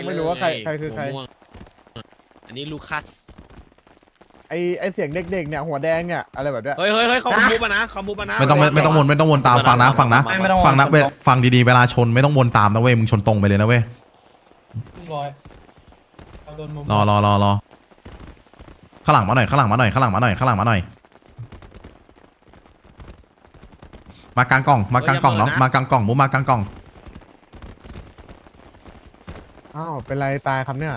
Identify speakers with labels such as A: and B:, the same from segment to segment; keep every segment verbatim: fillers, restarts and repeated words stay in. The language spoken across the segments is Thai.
A: ยังไม่รู้ว่าใครใครคือใคร
B: อันนี้ลูคัส
A: ไอไอเสียงเด็กๆเนี่ยหัวแดงเนี่ยอะไรแบบเนี้ย
B: เฮ้ยเฮ้ยเฮ้ยเขามูฟมานะเขามูฟมานะ
C: ไม่ต้องไม่ต้องวนไม่ต้องวนตามฟังนะฟังนะฟังนะเว้ยฟังดีๆเวลาชนไม่ต้องวนตามนะเว้ยมึงชนตรงไปเลยนะเว้ยรอรอรอรอข้างหลังมาหน่อยข้างหลังมาหน่อยข้างหลังมาหน่อยข้างหลังมาหน่อยมากลางกล่องมากลางกล่องน้องมากลางกล่องมุมมากลางกล่อง
A: อ้าวเป็นไรตายครับเนี่ย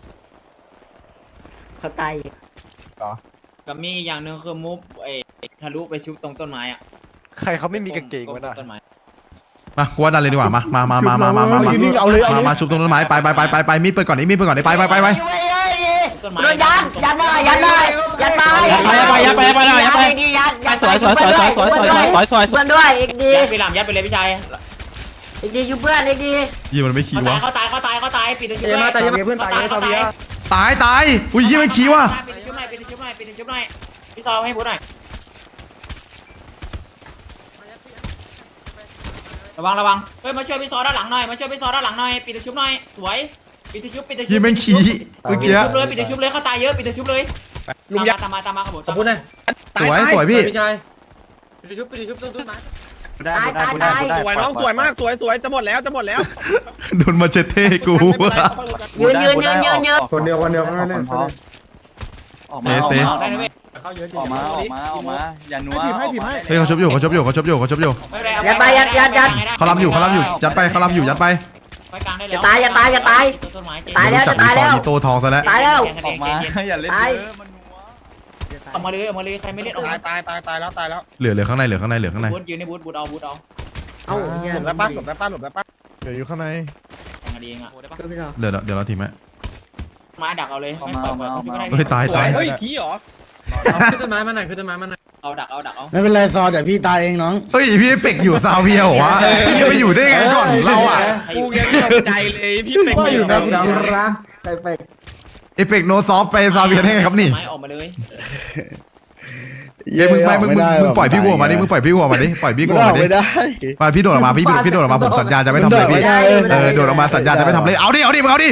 D: เขาตาย
A: เหรอ
E: กับมีอย่างหนึ่งคือมุฟไอ้ทะลุไปชุบตรงต้นไม้อะ
F: ใครเขาไม่มีกางเกงวะน่ะ
C: มากูว่าดันเลยดีกว่ามามามามามามามามามามาชุบตรงต้นไม้ไปไปไปไปไปมีดเปิดก่อนมีดเปิดก่อนไปไปไปไป
D: โดนยัดยัดหน่อยยัดหน่อยยัดไป
E: ยัดไปยัดไปยัดไปยัดไป
D: ยัดยัด
E: สวยสวยสวยสวยสวยสวยสวยสวยสวย
D: เพื่อนด้วยอีกดี
E: ยัดไปหลังยัดไปเลยพี่ชาย
D: อีกดีอยู่เพื่อนอีกดี
C: ยี่มันไม่ขี้วะ
E: เขาตายเขาตายเขาตายปิดตัวชุบ
A: ตายเพื่อนตายตาย
C: ตายตายอุ้ยยี่มันขี้วะ
E: ปิดตัวชุบหน่อยปิดตัวชุบหน่อยปิดตัวชุบหน่อยพี่ซอให้พูดหน่อยระวังระวังเฮ้ยมาช่วยพี่ซอด้านหลังหน่อยมาช่วยพี่ซอด้านหลังหน่อยปิดตัวชุบหน่อยสวยปิดตัวชุบปิดตัวชุบ
C: ยี่มันขี้เมื่อกี้
E: ชุบเลยปิดตัวชุบเลยเขาตายเยอะปิดตัวชุบเลยลุงยัดตามมาตามมาขบวนขบวนหน่อย
C: สวยสวยพี่
E: พี่ชายปิดตัวชุบปิดตัวชุบต้นต้นไม้
D: ตายตายตาย
B: สวยน้องสวยมากสวยสวยจะหมดแล้วจะหมดแล้ว
C: โดนมาเชเท่กู
D: ยืนยืนยืนยืนยืน
A: คนเดียวคนเดียวแค่นั้น
F: ออก
C: เซ
F: มา
C: เซ
F: ออกมาออกมาออกมาอย่านัว
A: ให้ผีให้ผีให้
C: เฮ้ยเขาชบอยู่เขาชบอยู่เขาชบอยู่เขาชบอยู่
D: ยัดไปยัดยัดยัด
C: เขาล้ำอยู่เขาล้ำอยู่ยัดไปเขาล้ำอยู่ยัดไป
D: จะตายจะตายจะตายตายแล้วจะตายแล้ว
C: อีโต้ทองซะแล้ว
D: ตายแล้ว
F: ออกมาอย่าเล่นเยอะมันนัว
E: ออกมาเลยออกมาเลยใครไม่เล่นออก
B: ตา
E: มา
B: ยตายตายตายแล้วตายแล้ว
C: เหลือเหลือข้างในเหลือข้างในเหลือข้างใน
E: บูทยืนในบูทบูทเอาบูทเอา
D: เอ้าเฮีย
B: หลบได้ป้าหลบได้ป้าหลบได้ป้า
A: เดี๋ยวอยู่ข้างใน
E: แข่งกันเองอ่ะ
C: เดี๋ยวเดี๋ยวเราทีมไหม
E: มาดักเอาเลยไม่เปิดเปิดเขาชุบก็ได้
C: เฮ้ยตายตาย
B: เฮ้ยขี้หรอ
E: ขึ้นต้นไม้มาหน่อยขึ้นต้นไม้มาหน่อยเอาดักเอาดักเอา
G: ไม่เป็นไรซอเดี๋ยวพี่ตายเองน้อง
C: เฮ้ยพี่เป็กอยู่ซาวเวียเหรอวะพี่จะไปอยู่ได้ไงก่อนเราอ่ะ
B: กูยังตกใจเลยพี่เป็ก
A: ก็อยู่นะคุณ
G: ดาว
A: คิด
G: รักใครไป
C: เอฟเฟกโนซอฟไปซาวเวียได้ไงครับนี่
E: ไม้ออกมาเลย
C: เฮ้ยมึงไม่มึงมึงมึงปล่อยพี่วัวมาดิมึงปล่อยพี่วัวมาดิปล่อยพี่วัวมาดิ
G: ไม่ได้
C: มาพี่โดดออกมาพี่พี่โดดออกมาผมสัญญาจะไม่ทำเลยพี่เออโดดออกมาสัญญาจะไม่ทำเลยเอาดิเอาดิมึงเอาดิ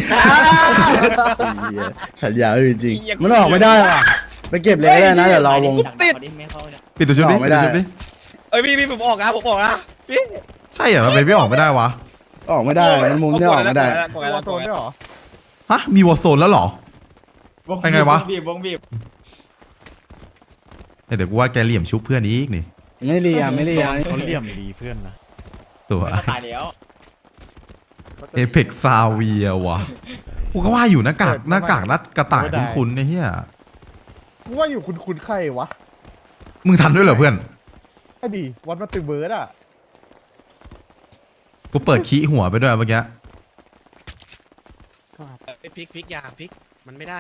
G: สัญญาจริงมันออกไม่ได้ว่ะไปเก็บเลยก็ได้นะเดี๋ยวรอวง
C: ปิดตัวชุบดิปิดตัวชุบดิ
B: เอ้ยพี่พี่ผมออกนะผมออกนะพี่
C: ใช่เหรอทำไมพี่ออกไม่ได้วะ
G: ออกไม่ได้มันมุมที่ออกไม่ได้
A: ตัวโซนด้วยเหรอ
C: ฮะมีวอร์โซนแล้วเหรอเป็นไงวะ
E: บีบวงบีบ
C: เดี๋ยวกูว่าแกเหลี่ยมชุบเพื่อนอีกนี่
G: ไม่เลียไม่เลีย
A: เขาเหลี่ยมดีเพื่อนนะ
C: ตัว
E: ตายแล้ว
C: เอเพ็กซาเวียวะกูก็ว่าอยู่หน้ากากหน้ากากนัดกระต่ายคุ้นๆไอ้เหี้ย
A: กูว่าอยู่คุณคุณใครวะ
C: มึงทันด้วยเหรอเพื่อน
A: ไอ้ดีวัดมาตึงเบิร์ดอ่ะ
C: กูเปิดขี้หัวไปด้วยเมื่อกี้
B: พลิกพลิกยาพลิกมันไม่ได้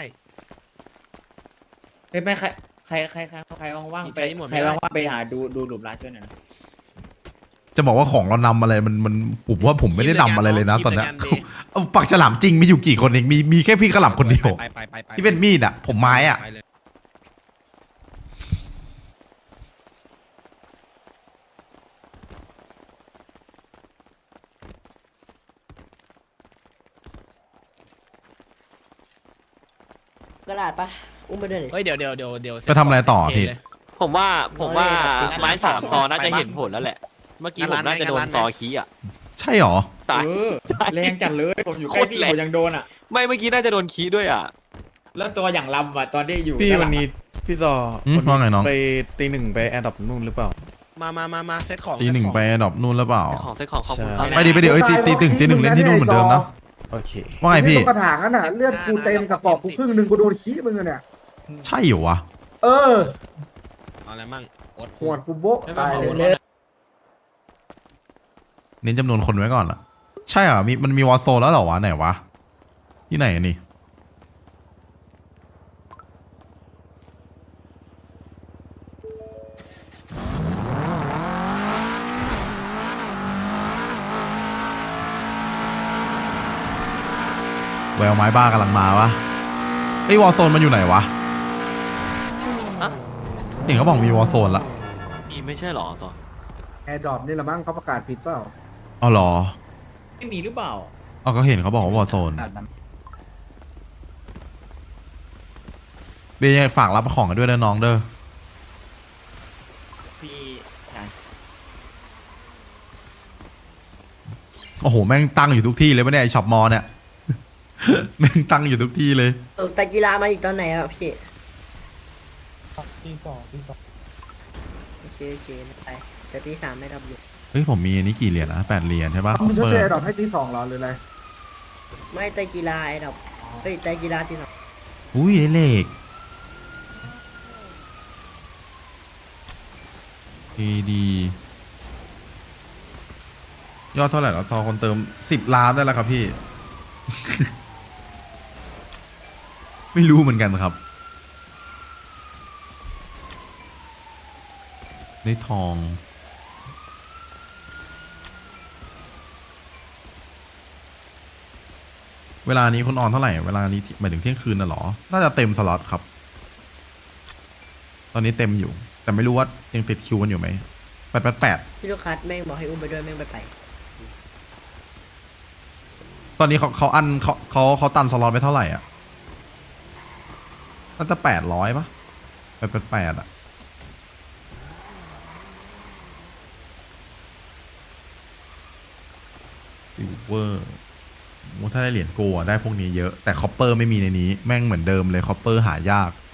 E: เฮ้ยไม่ใครใครใครใครใครว่างๆไปใครว่างๆไปหาดูดูหลุมร้านช่วยหน่อยนะ
C: จะบอกว่าของเรานำอะไรมันมันผมว่าผมไม่ได้นำอะไรเลยนะตอนนี้เอาปักฉลามจริงมีอยู่กี่คนเองมีมีแค่พี่กระหล่ำคนเดียว
B: ไปไปไปไป
C: ที่เป็นมีดอ่ะผมไม้อ่ะ
D: กระดาษปะอุ้มไปด้วยดิ
B: เฮ้ยเดี๋ยวเดี๋ยวเดี๋ยวเดี๋ยว
C: จะทำอะไรต่อที
H: ผมว่าผมว่าไม้สามซอน่าจะเห็นผลแล้วแหละ เมื่อกี้ผมน่าจะโดนซอคีอ่ะ
C: ใช่หรอ
H: ตาย
E: แรงจัดเลยผมอยู่ใกล้พี่ผมยังโดนอ่ะ
H: ไม่เมื่อกี้น่าจะโดนคีด้วยอ่ะ
E: แล้วตัวอย่างลำอ่ะตอนที่อยู่
I: พี่วันนี้พี่ซอ
C: ว่าไงน้อง
I: ไปตีหนึ่งไปแอร์ดรอปนู่นหรือเปล่า
B: มามามามาเซตของ
C: ตีหนึ่งไปดรอปนู่นหรือเปล่า
H: ของเซ็ตของขอบคุณ
I: ใช่
H: เขา
C: ไปดิไปดิเอ้ยตีตีตึงตีหนึ่งเล่นที่นู่นเหมือนเดิมนะ
I: โอเค
C: ว่าไงพี่
G: กระถางนั่นน่ะเลือดกูเต็มกับกรอบกูครึ่งหนึ่งกูโดนขี้มึงเนี่ย
C: ใช่เหรอวะ
G: เออ
B: เอาอะไรมั่งอด
G: หัวกูโบ๊ะตายเลย
C: เน้นจำนวนคนไว้ก่อนล่ะใช่เหรอมีมันมีวอร์โซนแล้วเหรอวะไหนวะที่ไหนนี่แววไม้บ้ากำลังมาวะไอ้วอร์โซนมันอยู่ไหนวะเห็นเขาบอกมีวอร์โซนละ
H: มีไม่ใช่หรอซอ
G: แอร์ดรอปนี่ละมั้งเขาประกาศผิดเปล่า
C: อ๋อเหรอ
E: ไม่มีหรือเปล่า
C: เอาก็เห็นเขาบอกว่าวอร์โซนเบย์ฝากรับของกันด้วยนะน้องเด้อ
E: พี่ชาย
C: โอ้โหแม่งตั้งอยู่ทุกที่เลยปะเนี่ยไอช็อปมอเนี่ย แม่งตั้งอยู่ทุกที่เลย
D: เออแต่กีฬามาอีกตอนไหนอ่ะพี่
A: ตีสองตีสอง
D: โอเคโอเคไปแต่ตีสามไม่รับอยู่
C: เฮ้ยผมมีอันนี้กี่เหรียญนะแปดเหรียญใช่ปะ
G: มึงชด
C: เปิ
G: เชย
C: ด
G: ไอ้ดอกให้ตีสองเหรอหรืออะไร
D: ไม่แต่กีฬาไอ้ดอกเฮ้ยแต่กีฬาตีสอง
C: อุ้ยไอเหล็กดีดียอดเท่าไหร่แล้วซอคนเติมสิบล้านได้แล้วครับพี่ ไม่รู้เหมือนกันครับได้ทอง เวลานี้คุณออนเท่าไหร่ เวลานี้หมายถึงเที่ยงคืนน่ะเหรอ น่าจะเต็มสล็อตครับ ตอนนี้เต็มอยู่ แต่ไม่รู้ว่ายังติดคิวกันอยู่ไหมแปดแปดแปด
D: พี่ลูกคัสแม่งบอกให้อุ้มไปด้วยแม่งไปไป
C: ตอนนี้เขาเขาอันเขาเขาเขาตันสล็อตไปเท่าไหร่อ่ะน่าจะแปดร้อยปะแปดแปดแปดอ่ะซิลเวอร์ถ้าได้เหรียญโกลอะได้พวกนี้เยอะ แต่คอปเปอร์ไม่มีในนี้ แม่งเหมือนเดิมเลยคอปเปอร์หายาก